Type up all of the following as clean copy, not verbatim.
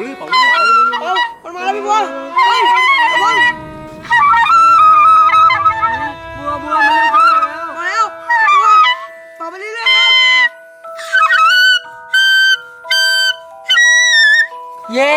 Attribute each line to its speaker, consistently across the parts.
Speaker 1: ลื่นเป่าลื่น
Speaker 2: มันมาแล้วพี่บัวเฮ้ยระวังบัวมันเริ่มเข้าแล้วมาแล้วบัวเป่าไปเรื่อยๆครับเย้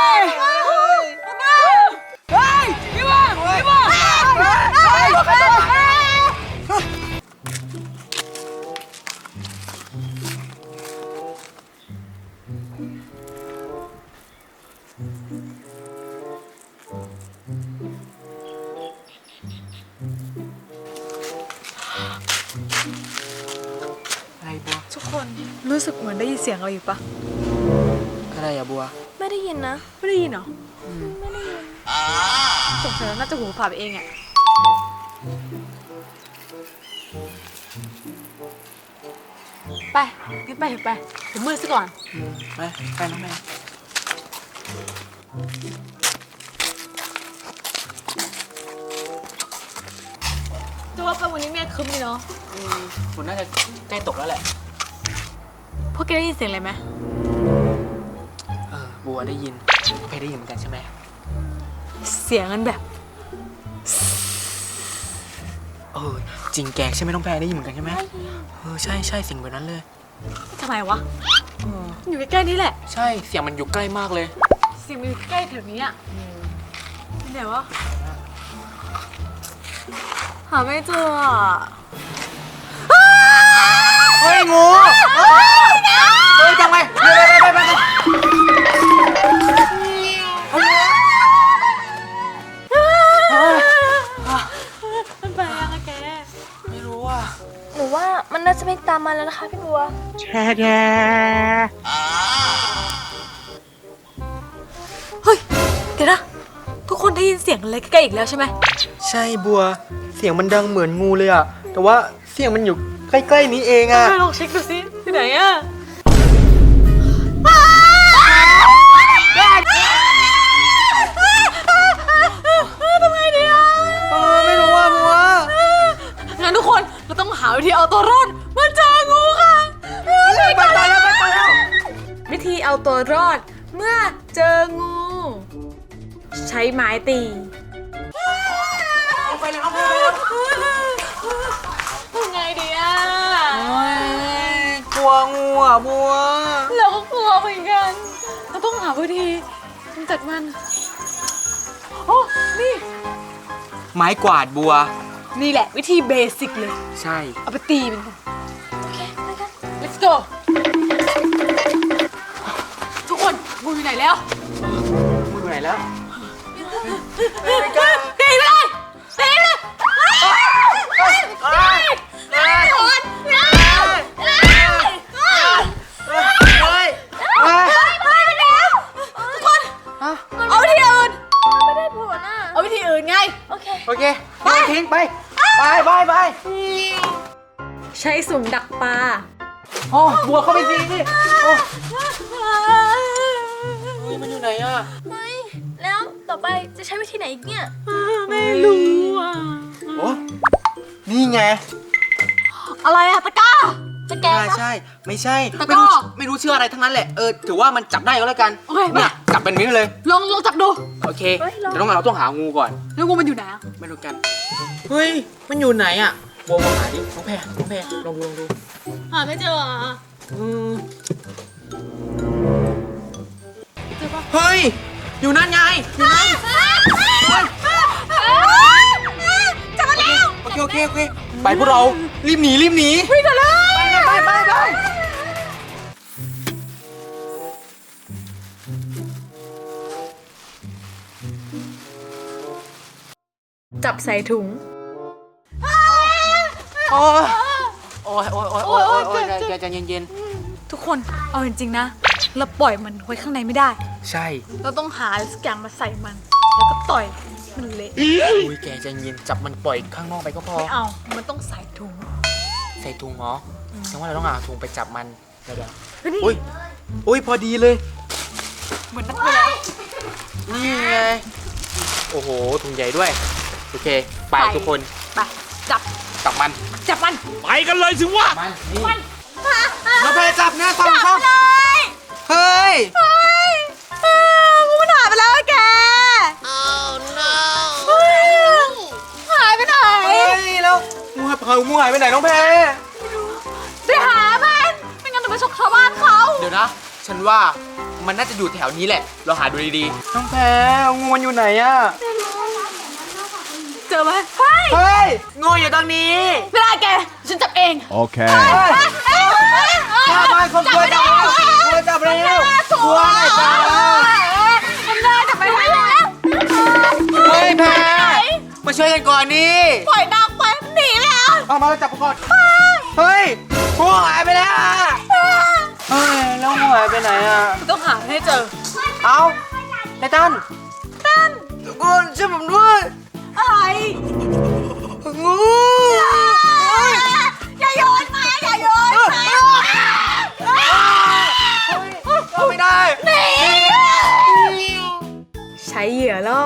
Speaker 3: ทุกคนรู้สึกเหมือนได้ยินเสียงอะไรอยู่ปะ
Speaker 2: อะไรอะบัว
Speaker 3: ไม่ได้ยินนะไม่ได้ยินเหรอไม่ได้ยินสงสัยน่าจะหูฝาดไปเองอะไปงั้นไปเถอะไปผมมืดซะก่อน
Speaker 2: ไปน้องแม่
Speaker 3: จะว่าไปวันนี้แม่คึ้มดีเนาะ
Speaker 2: ฝนน่าจะใกล้ตกแล้วแหละ
Speaker 3: พวกแกได้ยินเสียงอะไรไหม
Speaker 2: บัวได้ยินเพได้ยินเหมือนกันใช่ไหม
Speaker 3: เสียงมันแบบ
Speaker 2: จริงแกใช่ไหมน้องแพรได้ยินเหมือนกันใช่ไหมใช่เสียงแบบนั้นเลย
Speaker 3: ทำไมวะอยู่ใกล้ๆนี้แหละ
Speaker 2: ใช่เสียงมันอยู่ใกล้มากเลย
Speaker 3: เสียงมันอยู่ใกล้แถวนี้อ่ะที่ไหนวะหาไม่เจอ
Speaker 2: เฮ้ยงูเฮ้ยจังไปไป
Speaker 3: มันไปยังอะแก
Speaker 2: ไม่รู้อ่ะ
Speaker 3: หนูว่ามันน่าจะไม่ตามมาแล้วนะคะพี่บัว
Speaker 2: แช่
Speaker 3: เฮ้ยเดี๋ยวนะทุกคนได้ยินเสียงอะไรใกล้ๆอีกแล้วใช่ไหม
Speaker 2: ใช่บัวเสียงมันดังเหมือนงูเลยอ่ะแต่ว่าเสียงมันอยู่ใกล้ๆนี้เองอ่ะ
Speaker 3: ลองเช็คดูสิที่ไหนอ่ะทำไงดีอ่ะ
Speaker 2: ไม่รู้ว่าบัว
Speaker 3: งั้นทุกคนเราต้องหาวิธีเอาตัวรอดเมื่อเจองูค่ะ
Speaker 2: ไปตายแล้ว
Speaker 3: วิธีเอาตัวรอดเมื่อเจองูใช้ไม้ตี
Speaker 2: เอาไปเลยเอาไป
Speaker 3: ทำไงดีอ่ะ
Speaker 2: กลัวงูอ่ะบัว
Speaker 3: เราก็กลัวเหมือนกันเราต้องหาวิธีกำจัดมันโอ้นี่
Speaker 2: ไม้กวาดบัว
Speaker 3: นี่แหละวิธีเบสิกเลย
Speaker 2: ใช่
Speaker 3: เอาไปตีมันกันโอเคไปกัน let's go ทุกคนงูอยู่ไหนแล้ว
Speaker 2: งูอยู่ไหนแล้ว
Speaker 3: ตีเลยตีเลยเอาวิธีอื่นไม่ได้ผลอ่ะเอาวิธีอื่นไงโอเค
Speaker 2: ไปทิ้งไป
Speaker 3: ใช้สุ่มดักปลา
Speaker 2: บัวเข้าไปสิมันอยู่ไหนอ่ะ
Speaker 3: ไม่แล้วต่อไปจะใช้วิธีไหนอีกเนี่ยไม่รู้อ่ะ
Speaker 2: นี่ไง
Speaker 3: อะไรอะตะก้าจะแก
Speaker 2: ใช่ไม่ใช่ไม่รู้ชื่ออะไรทั้งนั้นแหละถือว่ามันจับได้ก็แล้วกันเนี่ยจับเป็นนี้เลย
Speaker 3: ลองจับดู
Speaker 2: โอเคแต่เราต้องหางูก่อน
Speaker 3: แล้วงูมันอยู่ไหน
Speaker 2: ไม่รู้กันเฮ้ยมันอยู่ไหนอ่ะบัวหาดิน้องแพรลองดู
Speaker 3: หาไม่เจอ
Speaker 2: เฮ้ยอยู่นั่นไง
Speaker 3: จับมาแล้ว
Speaker 2: โอเคไปพวกเรารีบหนี
Speaker 3: วิ่งกันเลย
Speaker 2: ไป
Speaker 3: จับใส่ถุง
Speaker 2: โอ้ยใจเย็น
Speaker 3: ทุกคนเอาจริงๆนะเราปล่อยมันไว้ข้างในไม่ได้
Speaker 2: ใช่
Speaker 3: เราต้องหาสักอย่างมาใส่มันแล้วก็ต่อยมันเละ
Speaker 2: อุ้ยแกใจเย็นจับมันปล่อยข้างนอกไปก็พอ
Speaker 3: ไม่เอามันต้องใส่ถุง
Speaker 2: เหรอแสดงว่าเราต้องหาถุงไปจับมันเดี๋ยวอุ้ยพอดีเลย
Speaker 3: เหมือนนักไปแล้ว
Speaker 2: นี่ไงโอ้โหถุงใหญ่ด้วยโอเคไปทุกคน
Speaker 3: ไปจับ
Speaker 2: มัน
Speaker 1: ไปกันเลยสิวะ
Speaker 2: มันเราไปจับนะ2 ช่องเฮ้ยงูหายไปไหนน้องแพร
Speaker 3: ไปหามันไม่งั้นจะไปชกชาวบ้านเขา
Speaker 2: เดี๋ยวนะ ฉันว่ามันน่าจะอยู่แถวนี้แหละ เราหาดูดีๆน้องแพรงูมันอยู่ไหนอะ
Speaker 3: เจอไหมเฮ้ย
Speaker 2: เฮ้ยงูอยู่ตรงนี้
Speaker 3: เวลาแกฉันจับเอง
Speaker 1: Okay.
Speaker 2: ข้าบ้านคนกลัวจับแล้วกลัวจับแล้วกลัวไหนจ้า
Speaker 3: มันได้จับไปแล้ว
Speaker 2: เฮ้ยแพรมาช่วยกันก่อนนี่
Speaker 3: ปล่อยนางไปมันหนีแล้ว
Speaker 2: เอามาจับก่อนเฮ้ยงูหายไปแล้วอะเฮ้ยแล้วงูหายไปไหนอะ
Speaker 3: ต้องหาให้เจอ
Speaker 2: เอาไททันทุกคนช่วยผมด้วย
Speaker 3: อะไร
Speaker 2: งู
Speaker 3: อย่าโยนมาอย่าโยนมา
Speaker 2: เข้าไม่ได้
Speaker 3: ใช้เหยื่อล่อ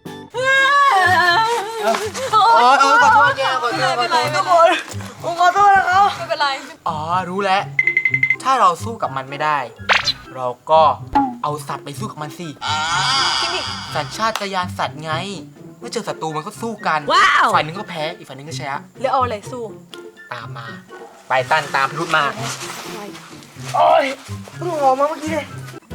Speaker 2: โอ้ยขอโทษแกขอโทษทุกคนผมขอโทษนะครับ
Speaker 3: ไม่เป็นไร
Speaker 2: อ๋อรู้แล้ว ถ้าเราสู้กับมันไม่ได้ เราก็เอาสัตว์ไปสู้กับมันสิสัญชาตญาณสัตว์ไง เมื่อเจอศัตรูมันก็สู้กัน
Speaker 3: ว้าว
Speaker 2: ฝ่ายหนึ่งก็แพ้อีกฝ่ายหนึ่งก็ชนะ
Speaker 3: แล้วเอาอะไรสู้
Speaker 2: ตามมา ไปตันตามพิรุธมาโอ้ยเพิ่งออกมาเมื่อกี้เลย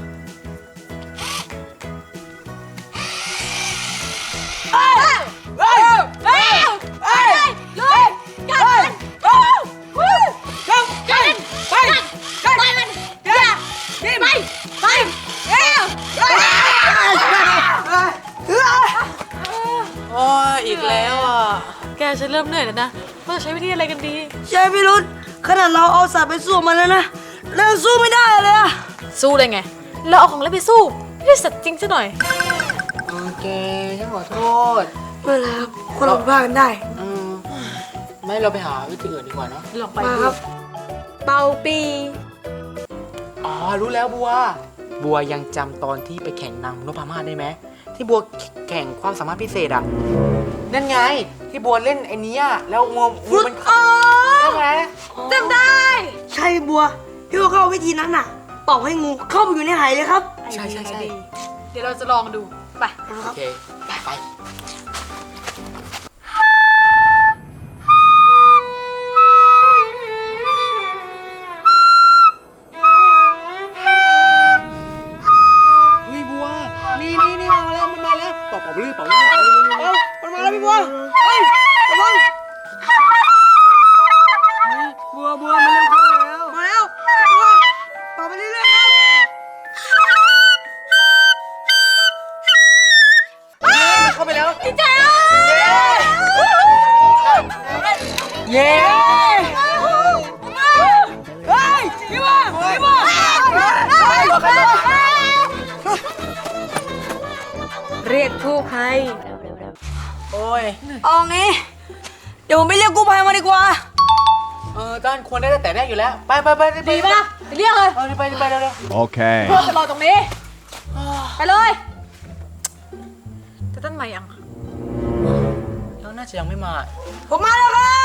Speaker 2: โอ้ยอีกแล้วอ่ะ
Speaker 3: แกฉันเริ่มเหนื่อยแล้วนะเราจะใช้วิธีอะไรกันดี
Speaker 4: ใช่พี่รุธขนาดเราเอาสัตว์ไปสู้มันแล้วนะเราสู้ไม่ได้เลยอะ
Speaker 3: สู้เลยไง เราเอาของเล่นไปสู้ไม่ได้สัตว์จริงซะหน่อย
Speaker 2: โอเคฉันขอโทษ
Speaker 4: ไม่เป็นไรครับคนเราผิดพลาดกันได้
Speaker 2: ไม่เราไปหาวิธีอื่นดีกว่าเนาะ
Speaker 3: ลองไป
Speaker 4: มาครับ
Speaker 3: เป่าปี
Speaker 2: อ๋อรู้แล้วบัวยังจำตอนที่ไปแข่งนางนพมาศได้ไหมที่บัวแข่งความสามารถพิเศษอ่ะนั่นไงที่บัวเล่นไอ้นี้อ่ะแล้วงูมันใช่ไหม
Speaker 3: จำได้
Speaker 4: ใช่บัวพี่ว่าเข้าวิธีนั้นน่ะเป่าให้งูเข้าไปอยู่ในไหเลยครับ
Speaker 2: ใช่
Speaker 3: เดี๋ยวเราจะลองดู ไป
Speaker 2: โอเคไปเฮ้ยบัวนี่มาแล้วมันมาแล้วเป่าเรื่อยมันมาแล้วพี่บัวเฮ้ยระวังบัวมันเร็วเข้าแล้ว
Speaker 4: มาแล้วบัวเป่าไปเรื่อยๆครับ
Speaker 2: เข้าไปแล้ว
Speaker 3: ดีใจ
Speaker 2: เย้
Speaker 4: เฮ้ยพี่บัว
Speaker 3: เรียกผู้ภัย
Speaker 2: โอ้ย
Speaker 4: เอางี้เดี๋ยวผมไปเรียกกู้ภัยมาดีกว่า
Speaker 2: ต้านควรได้แต่แรกอยู่แล้วไป
Speaker 3: ดีป่ะเรียกเลย
Speaker 2: ไปเร็ว
Speaker 1: Okay.
Speaker 3: เพื่อนจะรอตรงนี้ ไปเลยจะต้นใหม่ยัง
Speaker 2: แล้วน่าจะยังไม่มา
Speaker 4: ผมมาแล้วครับ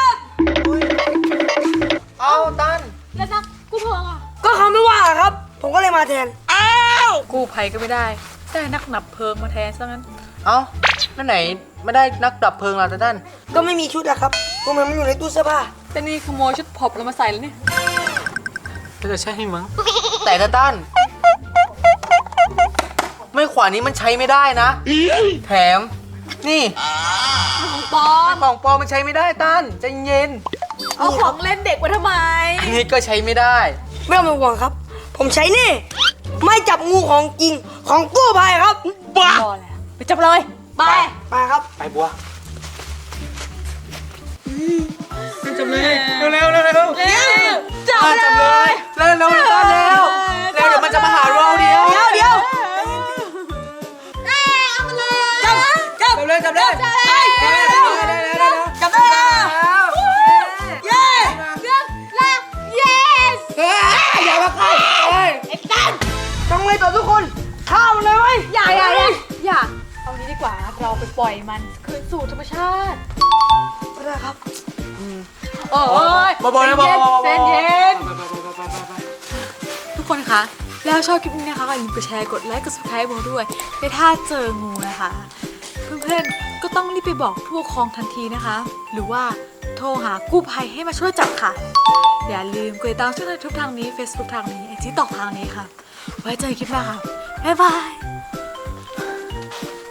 Speaker 2: เอาตัน
Speaker 3: แล้วนักกู้ภัยอ่ะ
Speaker 4: ก็เขาไม่ว่าครับ ผมก็เลยมาแทน
Speaker 3: กู้ภัยก็ไม่ได้ได้นักดับเพลิงมาแทนซะงั้น
Speaker 2: เอานั่นไหนไม่ได้นักดับเพลิงล่ะตัน
Speaker 4: ก็ไม่มีชุดอะครับพวกมันอยู่ในตู้เสื้อผ้า
Speaker 3: แต่นี่ขโมยชุดผอบเรามาใส่แล้วนี่
Speaker 2: ก็จะใช่มั้งแต่ตันไม่ขวานี้มันใช้ไม่ได้นะแถมนี่
Speaker 3: ปอม
Speaker 2: ของปลอมมันใช้ไม่ได้ตันใจเย็น
Speaker 3: เอาของเล่นเด็กมาทำไม
Speaker 2: อันนี้ก็ใช้ไม่ได้
Speaker 4: ไม่ต้องเป็นห่วงครับ ผมใช้นี่ ไม่จับงูของจริงของกู้ภัยครับ
Speaker 2: บ้า
Speaker 3: พอแล้วไปจับเลยไป
Speaker 4: ไปครับ
Speaker 2: ไปบัวจับเลยเร็ว
Speaker 3: จับ
Speaker 2: จับเลยเร็วตันเร็วเดี๋ยวมันจะมาหาเราเดียว
Speaker 4: เดี๋ยว
Speaker 3: เอามาเลย
Speaker 4: จับ
Speaker 2: จับเลยจับได้
Speaker 4: จับได้แล้วเย้
Speaker 3: เลือกแล้ว yes
Speaker 2: อย่ามาใกล้
Speaker 3: ไอ้ตัน
Speaker 4: ต้องเลยต่อทุกคนข้ามเลยไหม
Speaker 3: อย่าเอานี้ดีกว่าเราไปปล่อยมันคืนสู่ธรรมชาติ
Speaker 4: ไม่ได้ครับ
Speaker 3: โอ้ย
Speaker 2: บอลนะบอล
Speaker 3: เย็นทุกคนคะแล้วชอบคลิปนี้นะคะก็อย่าลืมกดแชร์กดไลค์กด subscribe โบด้วยและถ้าเจองูนะคะเพื่อนๆก็ต้องรีบไปบอกผู้ปกครองทันทีนะคะ หรือว่าโทรหากู้ภัยให้มาช่วยจับค่ะ อย่าลืมกดติดตามช่องทางทุกทางนี้ Facebook ทางนี้ IG ต่อทางนี้ค่ะ ไว้เจอกันคลิปหน้าค่ะ บ๊ายบาย